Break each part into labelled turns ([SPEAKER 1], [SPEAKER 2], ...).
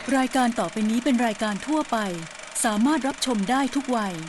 [SPEAKER 1] รายการต่อไปนี้เป็นรายการทั่วไปสามารถรับชมได้ทุกวัย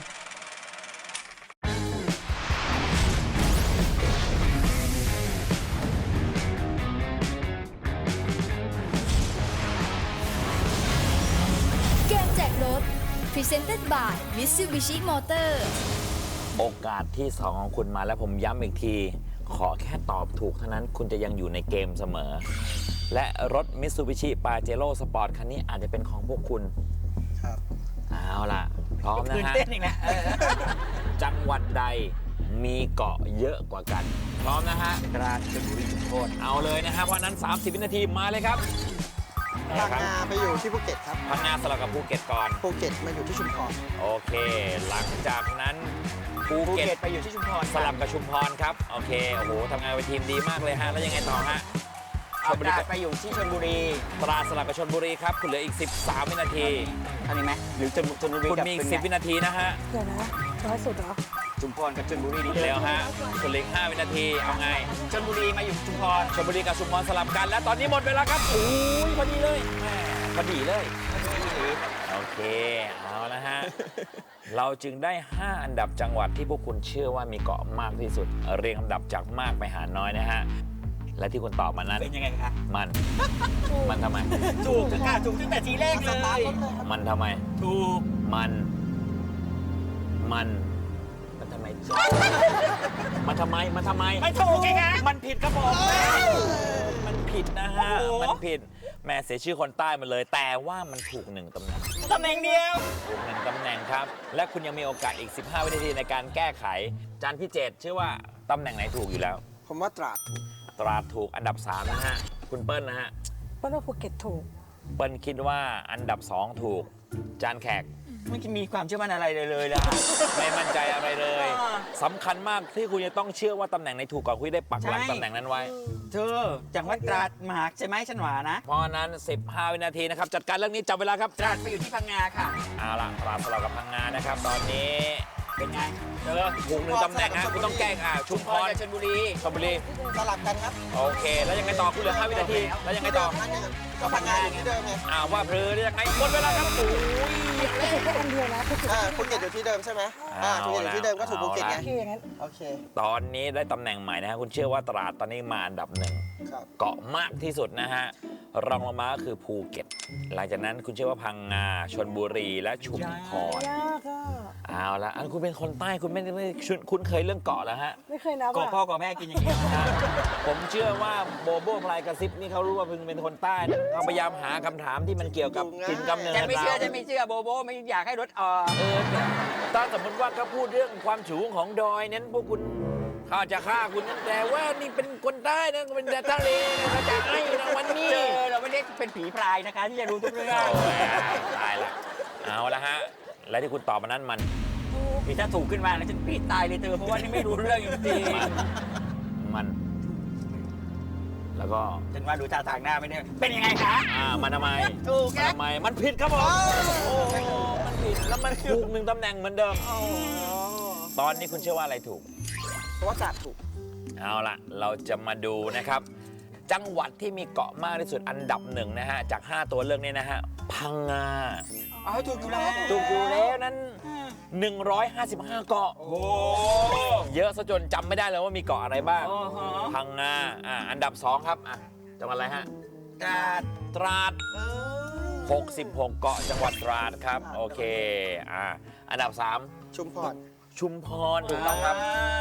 [SPEAKER 2] เกมแจกรถ Presented by Mitsubishi Motors
[SPEAKER 3] โอกาสที่2ของคุณมาแล้วผมย้ำอีกที ขอแค่ตอบถูกเท่านั้นคุณจะยังอยู่ในเกมเสมอ และรถ Mitsubishi Pajero Sport คันนี้อาจจะเป็นของพวกคุณครับเอาล่ะ พร้อมนะฮะจังหวัดใดมีเกาะเยอะกว่ากัน พร้อมนะฮะตราดชลบุรีชุมพรเอาเลยนะฮะเพราะนั้น30 วินาทีมาเลยครับ
[SPEAKER 4] พังงาไปอยู่ที่ภูเก็ตครับ
[SPEAKER 3] พังงาสลับกับภูเก็ตก่อน
[SPEAKER 4] ภูเก็ตมาอยู่ที่ชุมพร
[SPEAKER 3] โอเค หลังจากนั้นภูเก็ตไปอยู่ที่ชุมพรสลับกับชุมพรครับโอเคโอ้โหทำงานเป็นทีมดีมากเลยฮะแล้วยังไงต่อฮะชลบุรีไปอยู่ที่ชลบุรีตราดสลับกับชลบุรีครับคุณเหลืออีก13 วินาทีทันไหมหรือชลบุรีคุณมีอีก10 วินาทีนะฮะ
[SPEAKER 5] เดี๋ยวนะน้อยสุดเหรอ
[SPEAKER 3] ชุมพรกับชลบุรีเร็วฮะคุณเหลืออีก5 วินาทีเอาไงชลบุรีมาอยู่ชุมพรชลบุรีกับชุมพรสลับกันและตอนนี้หมดเวลาครับโอ้ยพอดีเลยพอดีเลยโอเคเอาละฮะ เราจึงได้ 5 อันดับจังหวัดที่พวกคุณเชื่อว่ามีเกาะมากที่สุดเรียงลำดับจากมากไปหาน้อยนะฮะและที่คุณตอบมานั้นเป็นยังไงคะมันทำไม
[SPEAKER 6] ถูกค่ะถูกตั้งแต่ทีแรกเลย
[SPEAKER 3] มันทำไม
[SPEAKER 6] ถูก
[SPEAKER 3] มันทำไมมันทำไม
[SPEAKER 6] ไม่ถูกไงคะ
[SPEAKER 3] มันผิดครับผมมันผิดนะฮะมันผิดแม่เสียชื่อคนใต้มาเลยแต่ว่ามันถูก1 ตำแหน่ง
[SPEAKER 6] เดียว
[SPEAKER 3] ถูก1 ตำแหน่งครับและคุณยังมีโอกาสอีก15 วินาทีในการแก้ไขจานพิเจตเชื่อว่าตำแหน่งไหนถูกอยู่แล้ว
[SPEAKER 4] ผมว่าตราด
[SPEAKER 3] ถูกอันดับ3นะฮะคุณเปิ้ลนะฮะ
[SPEAKER 5] เปิ้ลว่าภูเก็ตถูก
[SPEAKER 3] เปิ้ลคิดว่าอันดับ2ถูกจานแขก
[SPEAKER 6] ไม่มีความเชื่อมั่นอะไรเลยล่ะ
[SPEAKER 3] ไม่มั่นใจอะไรเลยสำคัญมากที่คุณจะต้องเชื่อว่าตำแหน่งไหนถูกก่อนคุณได้ปักหลักตำแหน่งนั้นไว้
[SPEAKER 6] เธอจังหวัดตราดมหาใช่ไหมฉันหวานะ
[SPEAKER 3] เพราะนั้น15 วินาทีนะครับจัดการเรื่องนี้จับเวลาครับ
[SPEAKER 6] ตราดไปอยู่ที่พังงาค่ะ
[SPEAKER 3] เอาล่ะตราดสลับกับพังงานะครับตอนนี้
[SPEAKER 6] เป็นไง
[SPEAKER 3] ถูก1 ตำแหน่งนะคุณต้องแก้ชุมพร
[SPEAKER 6] ชลบุรี
[SPEAKER 4] สลับกันครับ
[SPEAKER 3] โอเคแล้วยังไงต่อคุณเหลือ5 วินาทีแล้วยังไงต่อ
[SPEAKER 4] ก็พังงาอยู่ที่เดิมไง
[SPEAKER 3] ว่าเพลือยังไงหมดเวลาครับโอ้ย
[SPEAKER 5] แค่อันเดียวนะ
[SPEAKER 4] ภูเก็ตอยู่ที่เดิมใช่ไหมภูเก็ตอยู่ที่เดิมก็ถูกภูเก็ตไงโอเค
[SPEAKER 3] ตอนนี้ได้ตำแหน่งใหม่นะฮะคุณเชื่อว่าตราดตอนนี้มาอันดับ1เกาะมากที่สุดนะฮะรองลงมาก็คือภูเก็ตหลังจากนั้นคุณเชื่อว่าพังงาชลบุรีและชุมพร
[SPEAKER 5] ยากอ่ะ
[SPEAKER 3] เอาละอันคุณเป็นคนใต้คุณไม่คุ้นเคยเรื่องเกาะแล้วฮะ
[SPEAKER 5] ไม่เคยนะ
[SPEAKER 6] เกาะพ่อเกาะแม่กินอย่างนี้
[SPEAKER 3] ผมเชื่อว่าโบโบพลายกระซิบนี่เขารู้ว่าพึงเป็นคนใต้เขาพยายามหาคำถามที่มันเกี่ยวกับถิ่นกำเนิด
[SPEAKER 6] จะไม่เชื่อโบโบไม่อยากให้รถ
[SPEAKER 3] ถ้าสมมติว่าเขาพูดเรื่องความสูงของดอยนั้นพวกคุณเขาจะฆ่าคุณนั่นแต่ว่านี่เป็นคนใต้นะเป็นทะเลนะจะให้นะวันนี้
[SPEAKER 6] เราไม่ได้เป็นผีพรายนะคะที่จะรู้ทุกเรื่อง
[SPEAKER 3] ตายละเอาละฮะและที่คุณตอบมานั้นมัน
[SPEAKER 6] ถ้าถูกขึ้นมาแล้วฉันปีตายเลยเธอเพราะว่านี่ไม่รู้เรื่องจริง
[SPEAKER 3] มันแล้วก็
[SPEAKER 6] ฉันว่าดูท่าทางหน้าไม่ได้เป็นยังไงคะ
[SPEAKER 3] มันทำไม
[SPEAKER 6] ถูก
[SPEAKER 3] ทำไมมันผิดครับผมมันผิดแล้วมันถูก1 ตำแหน่งเหมือนเดิมตอนนี้คุณเชื่อว่าอะไรถูก
[SPEAKER 4] เพราะว่าตราดถูก
[SPEAKER 3] เอาล่ะเราจะมาดูนะครับจังหวัดที่มีเกาะมากที่สุดอันดับ1นะฮะจาก5 ตัวเลือกนี้นะฮะพังงา
[SPEAKER 6] ถูกอยู่
[SPEAKER 3] แล้วนั้น155 เกาะ
[SPEAKER 6] โอ้
[SPEAKER 3] เยอะซะจนจำไม่ได้เลยว่ามีเกาะอะไรบ้างพังงาอันดับ2ครับจังหวัดอะไรฮะตราด66 เกาะจังหวัดตราดครับโอเคอันดับ3
[SPEAKER 4] ชุมพร
[SPEAKER 3] ถูกต้องครับ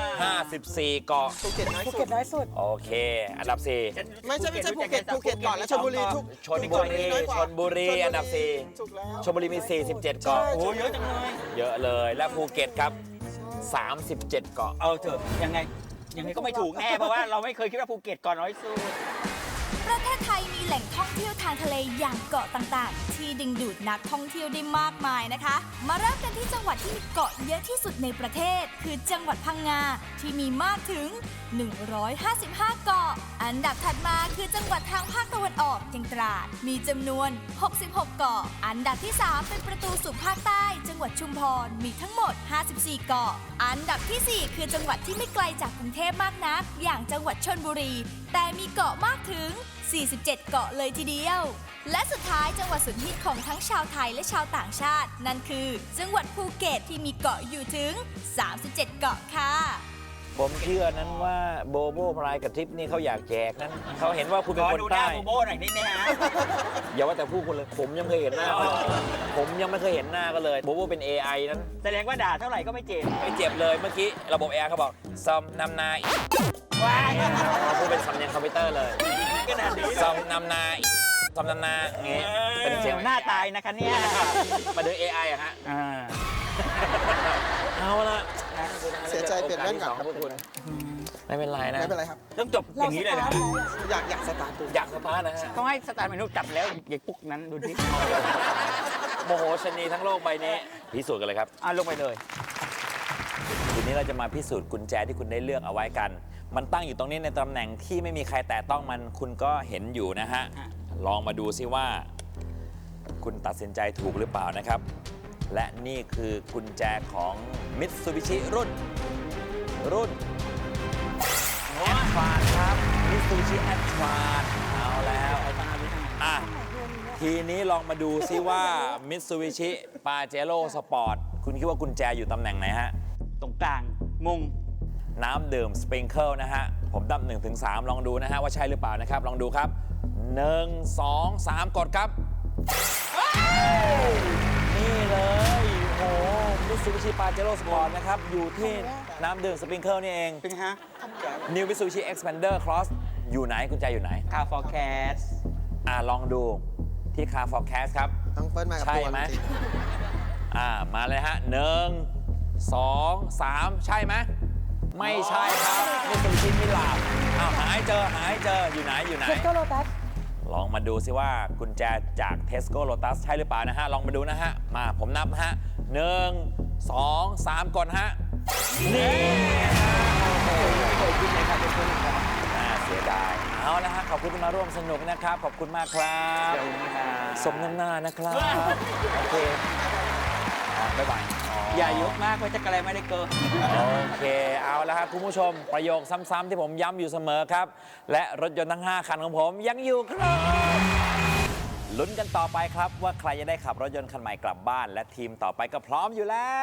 [SPEAKER 3] 54 เกาะ
[SPEAKER 4] ภูเก็ตน้
[SPEAKER 5] อยสุด
[SPEAKER 3] โอเคอันดับ4
[SPEAKER 4] ไม่ใช่ภูเก็ตก่อนแล้วชลบุรี
[SPEAKER 3] ชลบุรีอันดับ4ชลบุรีมี47 เกาะ
[SPEAKER 6] โอ้เยอะจังเลย
[SPEAKER 3] เยอะเลยและภูเก็ตครับ37 เกาะ
[SPEAKER 6] เถอะยังไงก็ไม่ถูกแน่เพราะว่าเราไม่เคยคิดว่าภูเก็ตก่อนน้อยสุด
[SPEAKER 2] ประเทศไทยมีแหล่งท่องเที่ยวทางทะเลอย่างเกาะต่างๆที่ดึงดูดนักท่องเที่ยวได้มากมายนะคะมาเริ่มกันที่จังหวัดที่มีเกาะเยอะที่สุดในประเทศคือจังหวัดพังงาที่มีมากถึง155 เกาะอันดับถัดมาคือจังหวัดทางภาคตะวันออกอย่างตราดมีจำนวน66 เกาะอันดับที่3เป็นประตูสู่ภาคใต้จังหวัดชุมพรมีทั้งหมด54 เกาะอันดับที่4คือจังหวัดที่ไม่ไกลจากกรุงเทพมากนักอย่างจังหวัดชลบุรีแต่มีเกาะมากถึง 47 เกาะเลยทีเดียว และสุดท้ายจังหวัดสุดฮิตของทั้งชาวไทยและชาวต่างชาติ นั่นคือจังหวัดภูเก็ตที่มีเกาะอยู่ถึง 37 เกาะค่ะ
[SPEAKER 3] ผมเชื่อนั้นว่าโบโบพลายกับทริปนี่เขาอยากแจกนั้นเขาเห็นว่าคุณเป็น
[SPEAKER 6] ขอ
[SPEAKER 3] คน
[SPEAKER 6] ดูหน้า
[SPEAKER 3] ใต้
[SPEAKER 6] โบโบหน่อยนิดนะฮะ
[SPEAKER 3] อย่าว่าแต่ผู้คนเลยผมยังไม่เคยเห็นหน้าเขาเลยผมยังไม่เคยเห็นหน้าก็เลยโบโบเป็น AI นั้น
[SPEAKER 6] แสดงว่าด่าเท่าไหร่ก็ไม่เจ็บ
[SPEAKER 3] ไม่เจ็บเลยเมื่อกี้ระบบ AI เขาบอกซอมนำนา
[SPEAKER 6] ว้าย
[SPEAKER 3] เขาพูดเป็นสำเนียงคอมพิวเตอร์เลย
[SPEAKER 6] ขนาดนี้
[SPEAKER 3] ซอมนำนาซอมนำนาอย่างงี้เป็นเสียง
[SPEAKER 6] หน้าตายนะคะเนี่ย
[SPEAKER 3] มาดู AI อะฮะ
[SPEAKER 6] อ่า
[SPEAKER 3] เอาละ
[SPEAKER 4] เสียใจเปลี่ยนแว่นก่อนครับ
[SPEAKER 3] พวกคุณไม่เป็นไรนะ
[SPEAKER 4] ไม่เป็นไรครับ
[SPEAKER 6] ต้องจบอย่างนี้เลยนะ
[SPEAKER 4] อยากสตาร์ทดู
[SPEAKER 3] อยากสตาร์ทนะฮะ
[SPEAKER 6] ต้องให้สตาร์ทเมนูจับแล้วอย่าปุ๊กนั้นดูดิ
[SPEAKER 3] โมโหชนีทั้งโลกใบนี้พิสูจน์กันเลยครับ
[SPEAKER 6] ลงไปเลย
[SPEAKER 3] ทีนี้เราจะมาพิสูจน์กุญแจที่คุณได้เลือกเอาไว้กัน มันตั้งอยู่ตรงนี้ในตำแหน่งที่ไม่มีใครแตะต้องมันคุณก็เห็นอยู่นะฮะ
[SPEAKER 6] อ่ะ
[SPEAKER 3] ลองมาดูซิว่า คุณตัดสินใจถูกหรือเปล่านะครับ และนี่คือกุญแจของ Mitsubishi รุ่น Advance ครับ Mitsubishi Advance เอาแล้วอ่ะทีนี้ลองมาดูซิว่า Mitsubishi Pajero Sport คุณคิดว่ากุญแจอยู่ตำแหน่งไหนฮะ
[SPEAKER 6] ตรงกลางมุง
[SPEAKER 3] น้ำดื่มสปริงเกิลนะฮะ ผมนับ1 ถึง 3 ลองดูนะฮะ ว่าใช่หรือเปล่านะครับ ลองดูครับ 1 2 3 กดครับ นี่เลยโอ้โหมิตซูบิชิปาเจโร่สปอร์ตนะครับ อยู่ที่น้ำดื่มสปริงเกิลนี่เอง
[SPEAKER 6] เป็นไงฮะ
[SPEAKER 3] New Mitsubishi Xpander Cross อยู่ไหนกุญแจอยู่ไหน
[SPEAKER 6] คาฟอร์แคส
[SPEAKER 3] ลองดูที่ Car Forecast ครับ
[SPEAKER 4] ต้องเปิ้ลมากับ
[SPEAKER 3] ใช่
[SPEAKER 4] ตัว
[SPEAKER 3] ไหม
[SPEAKER 4] จริง
[SPEAKER 3] มาเลยฮะ 1 2 3 ใช่ไหม ไม่ใช่ครับมิตซูบิชิมิลาบหายเจออยู่ไหน
[SPEAKER 5] เทสโก้โลตัส
[SPEAKER 3] ลองมาดูซิว่ากุญแจจาก Tesco Lotus ใช่หรือเปล่านะฮะ ลองมาดูนะฮะ มาผมนับนะฮะ 1 2 3 กดฮะ นี่เสียดาย เอาละฮะ ขอบคุณที่มาร่วมสนุกนะครับ ขอบคุณมากครับ สมน้ำหน้านะครับ โอเคบ๊ายบาย
[SPEAKER 6] อย่ายกมากไว้จะกระไรไม่ได้เกิน
[SPEAKER 3] โอเค เอาละครับคุณผู้ชม ประโยคซ้ำๆที่ผมย้ำอยู่เสมอครับ และรถยนต์ทั้ง 5 คันของผมยังอยู่ครับลุ้นกันต่อไปครับว่าใครจะได้ขับรถยนต์คันใหม่กลับบ้าน และทีมต่อไปก็พร้อมอยู่แล้ว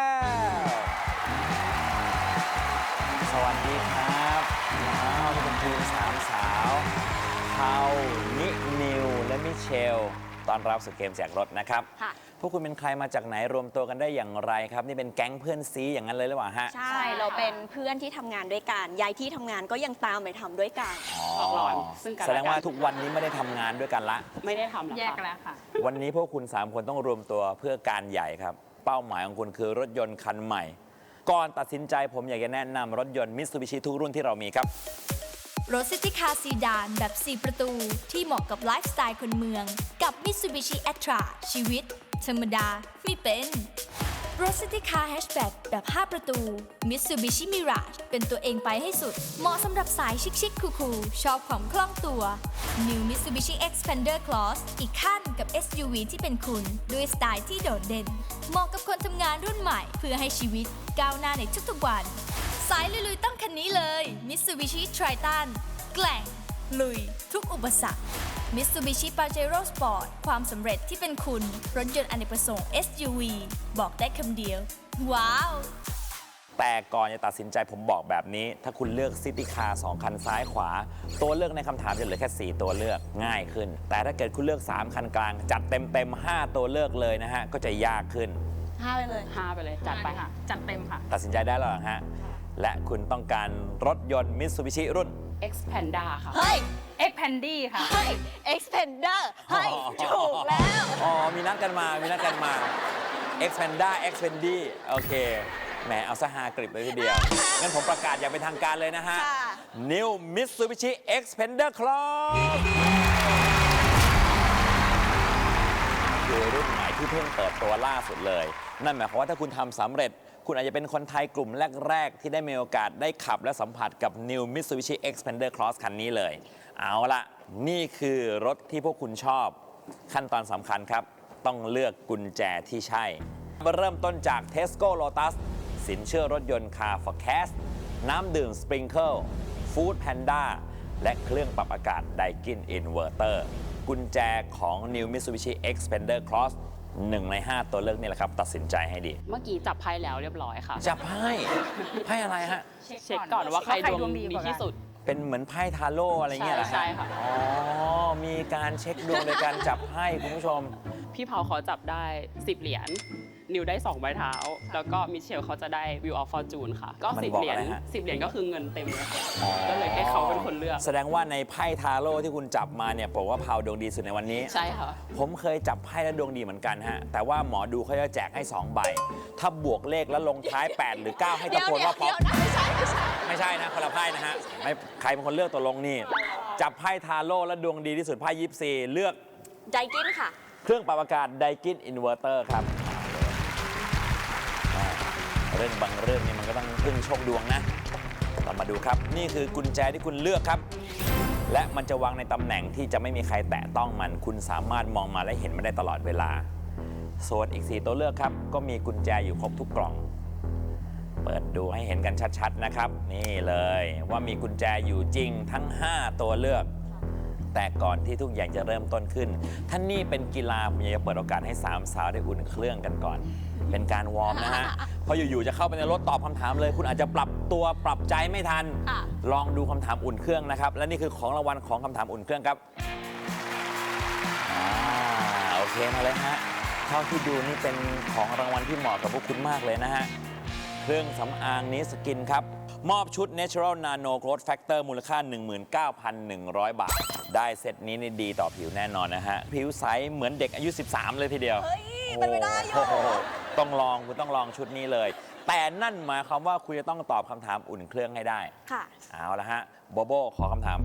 [SPEAKER 3] สวัสดีครับนี่เป็นทีม3 สาวเทานินิวและมิเชลตอนรับสู่เกมแจกรถนะครับ
[SPEAKER 7] ค่ะ
[SPEAKER 3] พวกคุณเป็นใครมาจากไหนรวมตัวกันได้อย่างไรครับ นี่เป็นแก๊งเพื่อนซีอย่างนั้นเลยหรือเปล่าฮะ
[SPEAKER 7] ใช่ เราเป็นเพื่อนที่ทำงานด้วยกัน ย้ายที่ทำงานก็ยังตามไปทำด้วยกัน
[SPEAKER 8] ออกร้อนซึ่งกันและกัน
[SPEAKER 3] แสดงว่าทุกวันนี้ไม่ได้ทำงานด้วยกันละ
[SPEAKER 8] ไม่ได้ทำหรอก
[SPEAKER 9] แยก
[SPEAKER 8] ค่ะ
[SPEAKER 9] แล้วค่ะ
[SPEAKER 3] วันนี้พวกคุณ 3 คนต้องรวมตัวเพื่อการใหญ่ครับ เป้าหมายของคุณคือรถยนต์คันใหม่ ก่อนตัดสินใจผมอยากจะแนะนำรถยนต์ Mitsubishi ทุกรุ่นที่เรามีครับ
[SPEAKER 2] รถซิตี้คาร์ซีดานแบบ 4 ประตู ที่เหมาะกับไลฟ์สไตล์คนเมือง กับ Mitsubishi Atra ชีวิต ธรรมดาไม่เป็น รถซิตี้คาร์แฮชแบ็กแบบ 5 ประตู Mitsubishi Mirage เป็นตัวเองไปให้สุด เหมาะสำหรับสายชิคๆคูลๆชอบความคล่องตัว New Mitsubishi Xpander Cross อีกขั้นกับ SUV ที่เป็นคุณ ด้วยสไตล์ที่โดดเด่น เหมาะกับคนทำงานรุ่นใหม่เพื่อให้ชีวิตก้าวหน้าในทุกๆวัน สายลุยๆต้องคันนี้เลย Mitsubishi Triton แกร่ง ลุย ทุกอุปสรรค Mitsubishi Pajero Sport ความสำเร็จที่เป็นคุณ รถยนต์อเนกประสงค์ SUV บอกได้คำเดียว ว้าว
[SPEAKER 3] แต่ก่อนจะตัดสินใจผมบอกแบบนี้ ถ้าคุณเลือกซิตี้คาร์2คันซ้ายขวา ตัวเลือกในคำถามจะเหลือแค่ 4 ตัวเลือกง่ายขึ้น แต่ถ้าเกิดคุณเลือก 3 คันกลาง จัดเต็ม 5 ตัวเลือกเลยนะฮะ ก็จะยากขึ้น
[SPEAKER 7] 5 ไปเลย
[SPEAKER 8] 5 ไปเลย จัดไปค่ะ
[SPEAKER 9] จัดเต็มค่ะ
[SPEAKER 3] ตัดสินใจได้แล้วเหรอฮะ และคุณต้องการรถยนต์ Mitsubishi รุ่น
[SPEAKER 8] Xpander ค่ะ
[SPEAKER 7] เฮ้ย
[SPEAKER 9] Xpandy ค่ะ
[SPEAKER 7] เฮ้ย Xpander เฮ้ย ถูกแล้ว
[SPEAKER 3] มีนัดกันมา Xpandy โอเค แหม เอาซะฮากริบเลยทีเดียว งั้นผมประกาศอย่างเป็นทางการเลยนะฮะ
[SPEAKER 7] ค่ะ
[SPEAKER 3] New Mitsubishi Xpander Cross คือรุ่นใหม่ที่เพิ่งเปิดตัวล่าสุดเลย นั่นหมายความว่าถ้าคุณทำสำเร็จ คุณอาจจะเป็นคนไทยกลุ่มแรก ๆ ที่ได้มีโอกาสได้ขับและสัมผัสกับ New Mitsubishi Xpander Cross คันนี้เลย เอาละนี่คือรถที่พวกคุณชอบ ขั้นตอนสำคัญครับ ต้องเลือกกุญแจที่ใช่ เริ่มต้นจาก Tesco Lotus สินเชื่อรถยนต์ Car Forecast น้ำดื่ม Sprinkle Food Panda และเครื่องปรับอากาศ Daikin Inverter กุญแจของ New Mitsubishi Xpander Cross 1 ใน 5 ตัวเลือกนี่แหละครับ ตัดสินใจให้ดี
[SPEAKER 8] เมื่อกี้จับไพ่แล้วเรียบร้อยค่ะ
[SPEAKER 3] จับไพ่อะไรฮะ
[SPEAKER 8] เช็คก่อนว่าใครดวงดีที่สุด
[SPEAKER 3] เป็นเหมือนไพ่ทาโร่อะไรเงี้ยเหรอฮะ
[SPEAKER 8] ใช่ค่ะ
[SPEAKER 3] อ๋อ มีการเช็คดวงโดยการจับไพ่คุณผู้ชม
[SPEAKER 8] พี่เผาเขาจับได้ 10 เหรียญ นิวได้ 2 ใบเท้า แล้วก็มิเชลเขาจะได้ Wheel of Fortune ค่ะ ก็
[SPEAKER 3] มัน
[SPEAKER 8] 10
[SPEAKER 3] บอก
[SPEAKER 8] เหรียญ
[SPEAKER 3] อะไรฮะ
[SPEAKER 8] 10 เหรียญก็คือเงินเต็มเลยค่ะก็เลยให้เขาเป็นคนเลือก
[SPEAKER 3] แสดงว่าในไพ่ทาโร่ที่คุณจับมาเนี่ยบอกว่าพาวดวงดีสุดในวันนี้
[SPEAKER 8] ใช่ค่ะ
[SPEAKER 3] ผมเคยจับไพ่แล้วดวงดีเหมือนกันฮะ แต่ว่าหมอดูเขาจะแจกให้ 2 ใบ ถ้าบวกเลขแล้วลงท้าย 8 หรือ 9 ให้ตะโกนว่าป๊อปไม่ใช่นะคนละไพ่นะฮะไม่ใครเป็นคนเลือกตัวลงนี่ จับไพ่ทาโร่แล้วดวงดีที่สุดไพ่24เลือก
[SPEAKER 7] ไดกินค่ะ
[SPEAKER 3] เครื่องปรับอากาศ Daikin Inverter ครับเรื่องบางเรื่องนี่มันก็ต้องพึ่งโชคดวงนะเรามาดูครับ นี่คือกุญแจที่คุณเลือกครับ และมันจะวางในตำแหน่งที่จะไม่มีใครแตะต้องมัน คุณสามารถมองมาและเห็นมันได้ตลอดเวลา ส่วนอีก 4 ตัวเลือกครับ ก็มีกุญแจอยู่ครบทุกกล่อง เปิดดูให้เห็นกันชัดๆนะครับ นี่เลยว่ามีกุญแจอยู่จริงทั้ง 5 ตัวเลือก แต่ก่อนที่ทุกอย่างจะเริ่มต้นขึ้นท่านนี่เป็นกีฬาผมอยากจะเปิดโอกาสให้3 สาวได้อุ่นเครื่องกันก่อน เป็นการวอร์มนะฮะ เพราะอยู่ๆจะเข้าไปในรถตอบคำถามเลย คุณอาจจะปรับตัวปรับใจไม่ทัน ลองดูคำถามอุ่นเครื่องนะครับ และนี่คือของรางวัลของคำถามอุ่นเครื่องครับโอเคมาเลยฮะเท่าที่ดูนี่เป็นของรางวัลที่เหมาะกับพวกคุณมากเลยนะฮะ เครื่องสำอางนี้สกินครับ มอบชุด Natural Nano Growth Factor มูลค่า 19,100 บาท ได้เซตนี้นี่ดีต่อผิวแน่นอนนะฮะ ผิวใสเหมือนเด็กอายุ 13 เลยทีเดียว
[SPEAKER 7] เฮ้ยเป็นไปได้อยู่
[SPEAKER 3] โอ้โหต้องลองคุณต้องลองชุดนี้เลย แต่นั่นหมายความว่าคุณจะต้องตอบคำถามอุ่นเครื่องให้ได้
[SPEAKER 7] ค่ะ
[SPEAKER 3] เอาละฮะโบโบขอคำถาม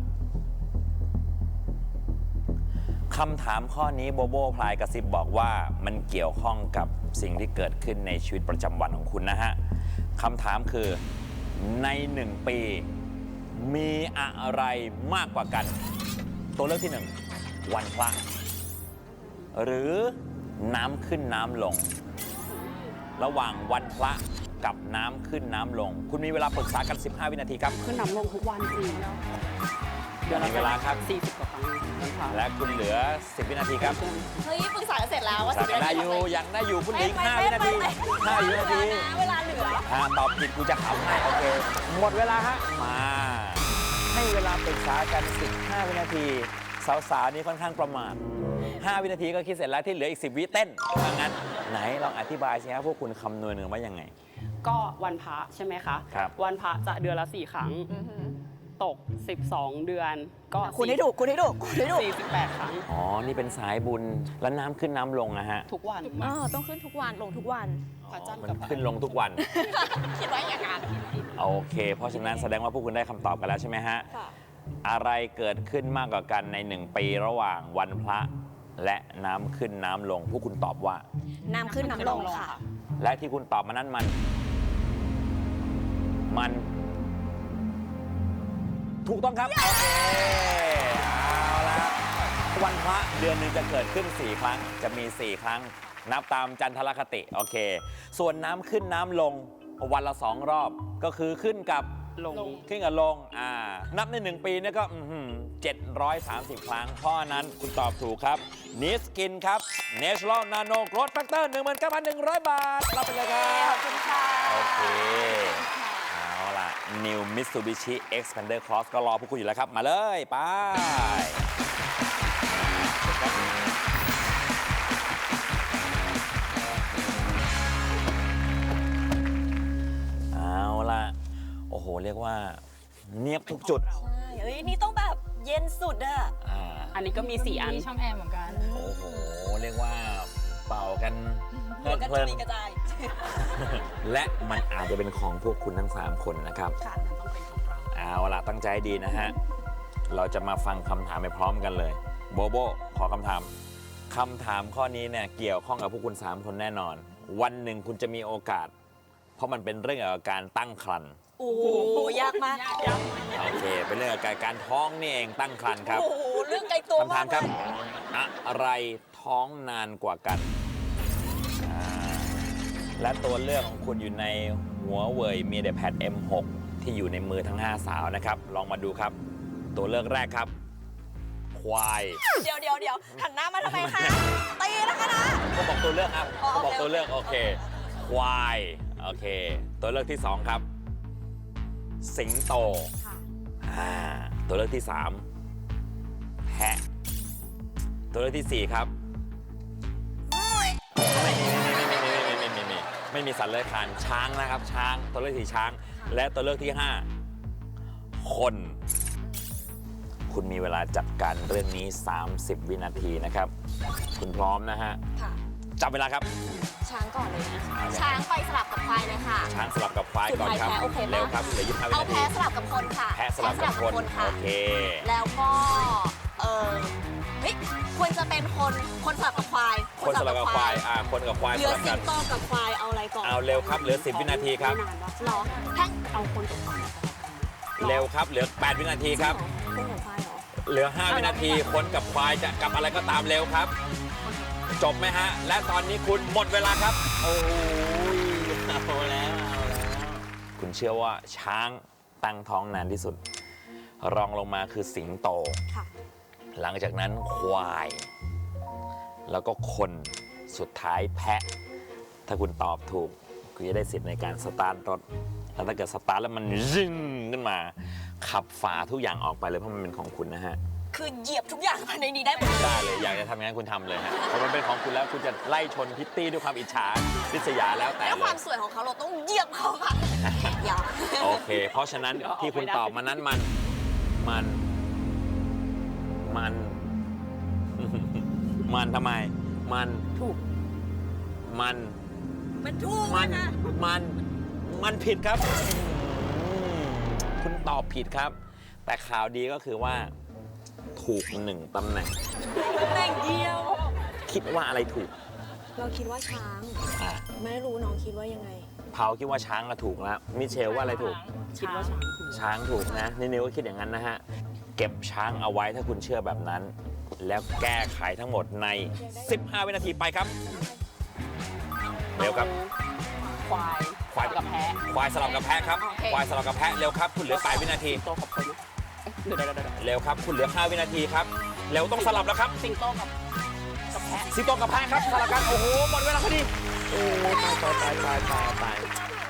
[SPEAKER 3] ข้อนี้โบโบพลายกระซิบบอกว่ามันเกี่ยวข้องกับสิ่งที่เกิดขึ้นในชีวิตประจำวันของคุณนะฮะคำถามคือใน 1 ปีมีอะไรมากกว่ากัน ตัวเลือกที่ 1 วันพระหรือน้ำขึ้นน้ำลง ระหว่างวันพระกับน้ำขึ้นน้ำลง คุณมีเวลาปรึกษากัน 15 วินาทีครับ
[SPEAKER 8] ขึ้นน้ำลงทุกวันจริงเดี๋ยว
[SPEAKER 3] มีเวลาครับ
[SPEAKER 8] 40 กว่าครั้งนะคะ
[SPEAKER 3] และคุณเหลือ 10 วินาทีครับ
[SPEAKER 7] เฮ้ยปรึกษากันเสร็จแล้วว่า
[SPEAKER 3] ยังได้อยู่ยังได้อยู่คุณเหลืออีก5 วินาที5 วินาที
[SPEAKER 7] เวลาเหลือ
[SPEAKER 3] ตอบผิดกูจะขำให้โอเค หมดเวลาฮะมาให้เวลาปรึกษากัน 15 วินาทีสาวๆนี่ค่อนข้างประมาท5 วินาทีก็คิดเสร็จแล้วที่เหลืออีก 10 วิเต้นถ้างั้นไหนลองอธิบายสิครับพวกคุณคำนวณหนึ่งว่ายังไง
[SPEAKER 8] ก็วันพระใช่ไหมคะ
[SPEAKER 3] ครับ
[SPEAKER 8] วันพระจะเดือนละ 4 ครั้ง ตก 12 เดือนก็
[SPEAKER 7] คุณให้ถูก
[SPEAKER 8] 48 ครั้ง
[SPEAKER 3] อ๋อ นี่เป็นสายบุญ แล้วน้ำขึ้นน้ำลงนะฮะ
[SPEAKER 8] ทุกวัน
[SPEAKER 7] ต้องขึ้นทุกวันลงทุกวัน
[SPEAKER 8] พระจันทร์
[SPEAKER 3] มัน
[SPEAKER 8] กับพระ
[SPEAKER 3] ขึ้นลงทุกวัน
[SPEAKER 7] คิดว่าอย่างนั้น
[SPEAKER 3] โอเค เพราะฉะนั้นแสดงว่าพวกคุณได้คำตอบกันแล้วใช่ไหมฮะ
[SPEAKER 7] ค่ะ
[SPEAKER 3] อะไรเกิดขึ้นมากกว่ากันใน 1 ปีระหว่างวันพระและน้ำขึ้นน้ำลง พวกคุณตอบว่า
[SPEAKER 7] น้ำขึ้นน้ำลงค่ะ
[SPEAKER 3] และที่คุณตอบมานั้นมัน ถูกต้องครับ โอเค เอาละวันพระเดือนหนึ่งจะเกิดขึ้น 4 ครั้ง จะมี 4 ครั้ง นับตามจันทรคติ โอเค ส่วนน้ำขึ้นน้ำลงวันละ 2 รอบ ก็คือขึ้นกับ
[SPEAKER 8] ลง
[SPEAKER 3] ขึ้นกับลง นับใน 1 ปีเนี่ยก็730 ครั้ง เพราะฉะนั้นคุณตอบถูกครับนิสกินครับ Natural Nano Growth Factor 19,100 บาท รับไปเลยครับ
[SPEAKER 7] ขอบคุณค่ะ
[SPEAKER 3] โอเค เอาล่ะ New Mitsubishi Xpander Cross ก็รอพวกคุณอยู่แล้วครับ มาเลย ไป เอาล่ะ โอ้โห เรียกว่าเนียบทุกจุด
[SPEAKER 7] ใช่เฮ้ย นี่ต้องแบบเย็นสุดอะ
[SPEAKER 8] อันนี้ก็มี 4 อัน
[SPEAKER 5] ช่องแอร์เหมือนกัน
[SPEAKER 3] โอ้โห เรียกว่าเป่ากันเพลิด
[SPEAKER 7] กระ
[SPEAKER 3] เพลิน
[SPEAKER 7] จุยกระจาย
[SPEAKER 3] และมันอาจจะเป็นของพวกคุณทั้ง 3 คนนะครับ
[SPEAKER 7] ค่ะ
[SPEAKER 3] เอาล่ะ ตั้งใจให้ดีนะฮะ เราจะมาฟังคำถามไปพร้อมกันเลย โบโบ ขอคำถามข้อนี้เนี่ยเกี่ยวข้องกับพวกคุณ 3 คนแน่นอน วันหนึ่งคุณจะมีโอกาส เพราะมันเป็นเรื่องเกี่ยวกับการตั้งครรภ์
[SPEAKER 7] โอ้โหยากมาก
[SPEAKER 3] โอเค เป็นเรื่องเกี่ยวกับการท้องนี่เองตั้งครรภ์ครับ
[SPEAKER 7] โอ้โห เรื่องไกลตัว
[SPEAKER 3] คำถามครับ
[SPEAKER 7] เลย
[SPEAKER 3] อะไรท้องนานกว่ากัน และตัวเลือกของคุณอยู่ในหัวเว่ย MediaPad M6 ที่อยู่ในมือทั้ง 5 สาวนะครับ ลองมาดูครับตัวเลือกแรกครับ ควาย
[SPEAKER 7] เดี๋ยวหันหน้ามาทำไมคะ ตีนะคะนะ
[SPEAKER 3] ก็บอกตัวเลือกครับ
[SPEAKER 7] อ๋อ
[SPEAKER 3] ก็บอก
[SPEAKER 7] โอเค
[SPEAKER 3] ตัวเลือกโอเค ควาย โอเค ตัวเลือกที่ 2 ครับ สิงโต
[SPEAKER 7] ค่ะ
[SPEAKER 3] ตัวเลือกที่ 3 แพะ ตัวเลือกที่ 4 ครับ ไม่มีสัตว์เลื้อยคลานช้างนะครับ ช้าง ตัวเลือกที่ช้าง และตัวเลือกที่ 5 คน คุณมีเวลาจัดการเรื่องนี้ 30 วินาทีนะครับ คุณพร้อมนะฮะ
[SPEAKER 7] ค่ะ
[SPEAKER 3] จับเวลาครับ
[SPEAKER 7] ช้างก่อนเลยนะช้างไปสลับกับควายเลยค่ะ
[SPEAKER 3] ช้างสลับกับควายก่อนครับ
[SPEAKER 7] สุดท้ายแพ้โอเคปะ
[SPEAKER 3] เร็วครับเหลือ25วิ
[SPEAKER 7] เอา
[SPEAKER 3] นาที
[SPEAKER 7] แพ้สลับกับคนค่ะ
[SPEAKER 3] แพะสลับกับคน
[SPEAKER 7] ค่ะ
[SPEAKER 3] โอเค
[SPEAKER 7] แล้วก็เฮ้ยควรจะเป็นคนสลับกับควาย
[SPEAKER 3] คนสลับกับควายคนกับควาย
[SPEAKER 7] เห
[SPEAKER 3] ส
[SPEAKER 7] ลือ
[SPEAKER 3] ลับ
[SPEAKER 7] สิ
[SPEAKER 3] กั
[SPEAKER 7] ง
[SPEAKER 3] น
[SPEAKER 7] โตกับควายเอาอะไรก่อน
[SPEAKER 3] เอาเร็วครับ เหลือ 10 วินาทีครับ
[SPEAKER 7] หรอแท่ง
[SPEAKER 8] เอาคนกับควาย
[SPEAKER 3] เร็วครับ เหลือ 8 วินาทีครับ
[SPEAKER 7] คนกับควายเหรอ
[SPEAKER 3] เหลือ 5 วินาที คนกับควายจะกับอะไรก็ตามเร็วครับ จบไหมฮะ และตอนนี้คุณหมดเวลาครับ โอ้ยเอาแล้ว คุณเชื่อว่าช้างตั้งท้องนานที่สุด รองลงมาคือสิงโต
[SPEAKER 7] ค่ะ
[SPEAKER 3] หลังจากนั้นควาย แล้วก็คนสุดท้ายแพะ ถ้าคุณตอบถูกคุณจะได้สิทธิ์ในการสตาร์ทรถแล้วถ้าเกิดสตาร์ทแล้วมันยึ่งขึ้นมา ขับฝ่าทุกอย่างออกไปเลยเพราะมันเป็นของคุณนะฮะ
[SPEAKER 7] คือเหยียบทุกอย่างภายในนี้ได้หมด
[SPEAKER 3] ได้เลยอยากจะทำอย่างนั้นคุณทำเลยฮะเพราะมันเป็นของคุณแล้วคุณจะไล่ชนพิตตี้ด้วยความอิจฉาริษยาแล้วแต่
[SPEAKER 7] แล้ว
[SPEAKER 3] เล
[SPEAKER 7] ควาย มสวยของเขาเราต้องเหยียบเขาค่ะอย่า
[SPEAKER 3] โอเค เพราะฉะนั้นที่คุณตอบมานั้นมัน มันทำไม
[SPEAKER 8] ถูก
[SPEAKER 7] มันถูก
[SPEAKER 3] มันผิดครับ คุณตอบผิดครับ แต่ข่าวดีก็คือว่า ถูก1 ตำแหน่ง
[SPEAKER 7] ตำแหน่งเดียว
[SPEAKER 3] คิดว่าอะไรถูก
[SPEAKER 7] เราคิดว่าช้าง
[SPEAKER 3] อ่ะ
[SPEAKER 7] ไม่รู้น้องคิดว่ายังไง
[SPEAKER 3] เผาคิดว่าช้างก็ถูกแล้วมิเชลว่าอะไรถูก
[SPEAKER 8] คิดว่าช้างถูก
[SPEAKER 3] ช้างถูกนะนิวก็คิดอย่างนั้นนะฮะ เก็บช้างเอาไว้ถ้าคุณเชื่อแบบนั้น แล้วแก้ไขทั้งหมดใน 15 วินาทีไปครับ เร็วครับ
[SPEAKER 8] ควาย
[SPEAKER 3] ควาย
[SPEAKER 8] กับแพะ
[SPEAKER 3] ควายสลับกับแพะครับ
[SPEAKER 7] โอเค
[SPEAKER 3] ควายสลับกับแพะเร็วครับ คุณเหลือ8 วินาที
[SPEAKER 8] สิงโตกับคนเดี๋ยว
[SPEAKER 3] เร็วครับ คุณเหลือ 5 วินาทีครับ เร็วต้องสลับแล้วครับ
[SPEAKER 8] สิงโตกับแพะ
[SPEAKER 3] สิงโตกับแพะครับสลับกัน โอ้โห หมดเวลาพอดี โอ้ตาย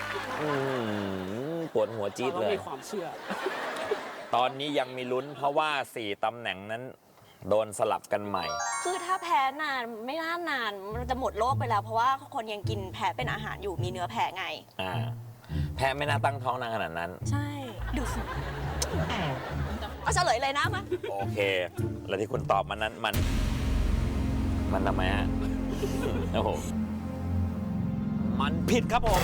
[SPEAKER 3] ปวดหัวจี๊ด
[SPEAKER 8] เรา
[SPEAKER 3] เลย
[SPEAKER 8] มีความเชื่อ
[SPEAKER 3] ตอนนี้ยังมีลุ้นเพราะว่า 4 ตำแหน่งนั้นโดนสลับกันใหม่
[SPEAKER 7] คือถ้าแพ้นานไม่น่านานมันจะหมดโลกไปแล้ว เพราะว่าคนยังกินแพ้เป็นอาหารอยู่มีเนื้อแพ้ไง
[SPEAKER 3] แพะไม่น่าตั้งท้องนานขนาดนั้น
[SPEAKER 7] ใช่ดูสิเอาเฉลยเลยนะมา
[SPEAKER 3] โอเค แล้วที่คุณตอบมานั้นมันทำไมฮะ โอ้โห มันผิดครับผม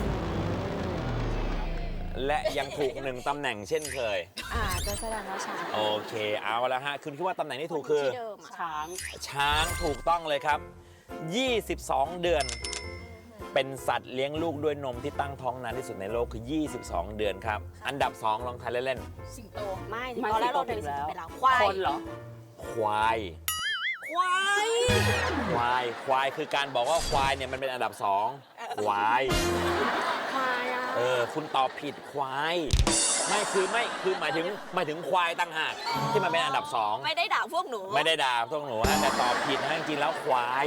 [SPEAKER 3] และยังถูก1 ตำแหน่งเช่นเคย
[SPEAKER 7] ก็แสดงว่าช้าง
[SPEAKER 3] โอเค เอาละฮะ คุณคิดว่าตำแหน่งที่ถูกคือ
[SPEAKER 7] ที่เดิมอะ
[SPEAKER 8] ช้าง
[SPEAKER 3] ช้างถูกต้องเลยครับ 22 เดือน เป็นสัตว์เลี้ยงลูกด้วยนมที่ตั้งท้องนานที่สุดในโลกคือ 22 เดือนครับ อันดับ 2 ลองทายเล่น
[SPEAKER 7] สิงโตไม่
[SPEAKER 8] มัน
[SPEAKER 7] ตอนแรกเรา
[SPEAKER 8] สิ
[SPEAKER 7] เดิ
[SPEAKER 3] ๆ
[SPEAKER 8] งโต
[SPEAKER 7] นไปแล้วควาย
[SPEAKER 8] คนเหรอ
[SPEAKER 3] ควาย
[SPEAKER 7] ควาย
[SPEAKER 3] ควายคือการบอกว่าควายเนี่ยมันเป็นอันดับ 2 ควาย
[SPEAKER 7] ควายอ่ะ
[SPEAKER 3] คุณตอบผิดควาย ไม่คือหมายถึงควายตั้งหากที่มันเป็นอันดับ 2
[SPEAKER 7] ไม่ได้ด่าพวกหนู
[SPEAKER 3] ไม่ได้ด่าพวกหนูนะแต่ตอบผิดนะจริงๆแล้วควาย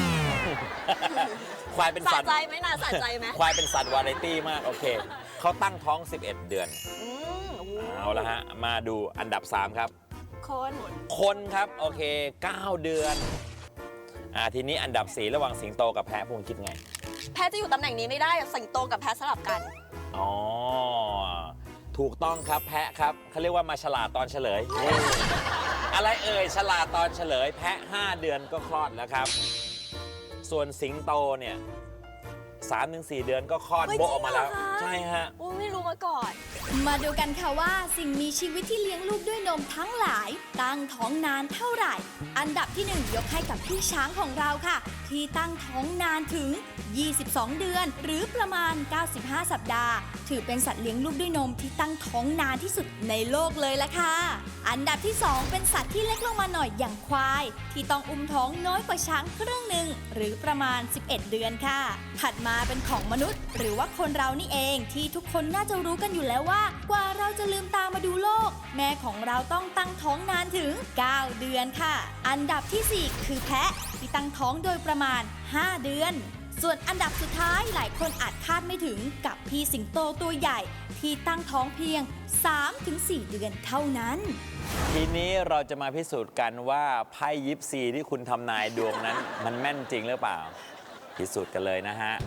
[SPEAKER 3] ควายเป็น
[SPEAKER 7] สะ
[SPEAKER 3] สัตว์
[SPEAKER 7] ใจไหมน่าสะใจไหม
[SPEAKER 3] ควายเป็นสัตว์วาไรตี้มากโอเคเขาตั้งท้อง 11 เดือน เอาละฮะ มาดูอันดับ 3 ครับ คนครับโอเค 9 เดือนทีนี้อันดับ 4 ระหว่างสิงโตกับแพะพวกคิดไง
[SPEAKER 7] แพ้จะอยู่ตำแหน่งนี้ไม่ได้สิงโตกับแพ้สลับกัน
[SPEAKER 3] อ๋อ ถูกต้องครับแพะครับเขาเรียกว่ามาฉลาดตอนเฉลย อะไรเอ่ยฉลาดตอนเฉลย แพะ 5 เดือนก็คลอดแล้วครับ ส่วนสิงโตเนี่ย 3-4 เดือนก็คลอด
[SPEAKER 7] เฮ้ย
[SPEAKER 3] โบะออกมาแล้ว
[SPEAKER 7] จริงเหรอคะ
[SPEAKER 3] ใช่ฮะ
[SPEAKER 7] ไม่รู้มาก่อน
[SPEAKER 2] มาดูกันค่ะว่าสิ่งมีชีวิตที่เลี้ยงลูกด้วยนมทั้งหลาย ตั้งท้องนานเท่าไหร่ อันดับที่ 1 ยกให้กับพี่ช้างของเราค่ะ ที่ตั้งท้องนานถึง 22 เดือน หรือประมาณ 95 สัปดาห์ ถือเป็นสัตว์เลี้ยงลูกด้วยนมที่ตั้งท้องนานที่สุดในโลกเลยละค่ะ อันดับที่ 2 เป็นสัตว์ที่เล็กลงมาหน่อยอย่างควาย ที่ต้องอุ้มท้องน้อยกว่าช้างครึ่งหนึ่งหรือประมาณ 11 เดือนค่ะ ถัดมาเป็นของมนุษย์ หรือว่าคนเรานี่เองที่ทุกคนน่าจะรู้กันอยู่แล้วว่าว่ากว่าเราจะลืมตามาดูโลก แม่ของเราต้องตั้งท้องนานถึง 9 เดือนค่ะ อันดับที่ 4 คือแพะที่ตั้งท้องโดยประมาณ 5 เดือน ส่วนอันดับสุดท้ายหลายคนอาจคาดไม่ถึงกับพี่สิงโตตัวใหญ่ที่ตั้งท้องเพียง 3-4 เดือนเท่านั้น
[SPEAKER 3] ทีนี้เราจะมาพิสูจน์กันว่าไพ่ยิปซีที่คุณทำนายดวงนั้น มันแม่นจริงหรือเปล่า พิสูจน์กันเลยนะฮะ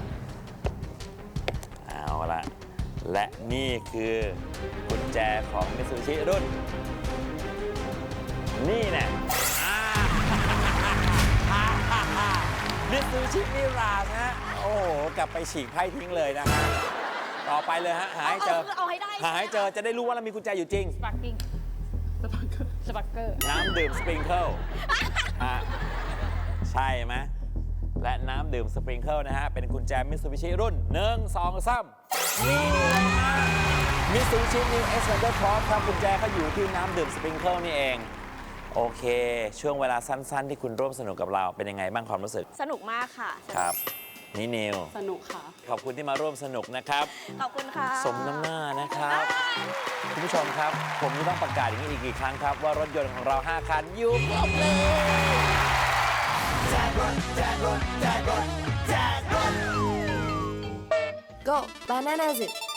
[SPEAKER 3] เอาละและนี่คือกุญแจของมิตซูบิชิรุ่น นี่แน่มิตซูบิชิมิราสฮะ โอ้โห กลับไปฉีกไพ่ทิ้งเลยนะฮะ ต่อไปเลยฮะ หาให้เจอ
[SPEAKER 2] เอาให้ได้
[SPEAKER 3] หาให้เจอจะได้รู้ว่าเรามีกุญแจอยู่จริง
[SPEAKER 8] สปาร์กิ้งสปาร์เกอร์
[SPEAKER 3] น้ำดื่มสปริงเกิลใช่ไหมและน้ำดื่มสปริงเกิลนะฮะ เป็นกุญแจมิตซูบิชิรุ่น 1 2 3 นี่เลยฮะมิตซูบิชินิวเอ็กซ์แ n นเดอร์ครอสครับกุญแจเขาอยู่ที่น้ำดื่มสปริงเกิลนี่เอง โอเค ช่วงเวลาสั้นๆ ที่คุณร่วมสนุกกับเราเป็นยังไงบ้างความรู้สึก
[SPEAKER 7] สนุกมากค่ะ
[SPEAKER 3] ครับ นี่นิว
[SPEAKER 8] สนุกค่ะ
[SPEAKER 3] ขอบคุณที่มาร่วมสนุกนะครับ
[SPEAKER 7] ขอบคุณค่ะ
[SPEAKER 3] สมน้ำหน้านะครับ คุณผู้ชมครับ ผมจะต้องประกาศอย่างนี้อีกกี่ครั้งครับ ว่ารถยนต์ของเรา 5 คันอยู่ครบเลย
[SPEAKER 2] Go Bananas